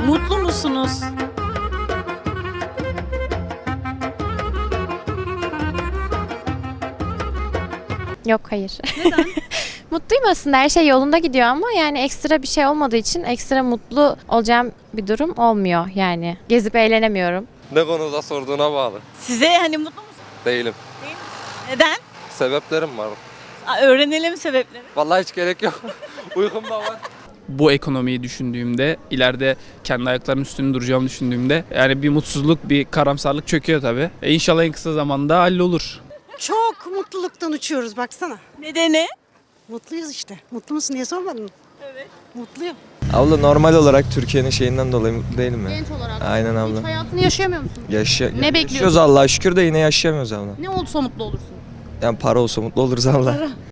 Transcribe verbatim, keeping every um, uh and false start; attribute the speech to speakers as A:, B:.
A: Mutlu musunuz?
B: Yok, hayır.
A: Neden?
B: Mutluyum aslında, her şey yolunda gidiyor ama yani ekstra bir şey olmadığı için ekstra mutlu olacağım bir durum olmuyor yani. Gezip eğlenemiyorum.
C: Ne konuda sorduğuna bağlı.
A: Size hani mutlu musunuz?
C: Değilim.
A: Neden?
C: Sebeplerim var.
A: Aa, öğrenelim sebepleri.
C: Vallahi hiç gerek yok. Uykum da var.
D: Bu ekonomiyi düşündüğümde, ileride kendi ayaklarımın üstünde duracağımı düşündüğümde yani bir mutsuzluk, bir karamsarlık çöküyor tabii. E inşallah en kısa zamanda hallolur.
E: Çok mutluluktan uçuyoruz baksana.
A: Nedeni?
E: Mutluyuz işte. Mutlu musun diye sormadın mı?
A: Evet.
E: Mutluyum.
F: Abla normal olarak Türkiye'nin şeyinden dolayı mutlu değilim mi?
G: Genç olarak.
F: Aynen
G: Hiç
F: abla.
G: hayatını yaşayamıyor musun?
F: Yaşa
G: Ne
F: yaşıyoruz
G: bekliyorsun?
F: Allah'a şükür de yine yaşayamıyoruz abla.
G: Ne olursa mutlu olursun.
F: Yani para olsa mutlu oluruz abla.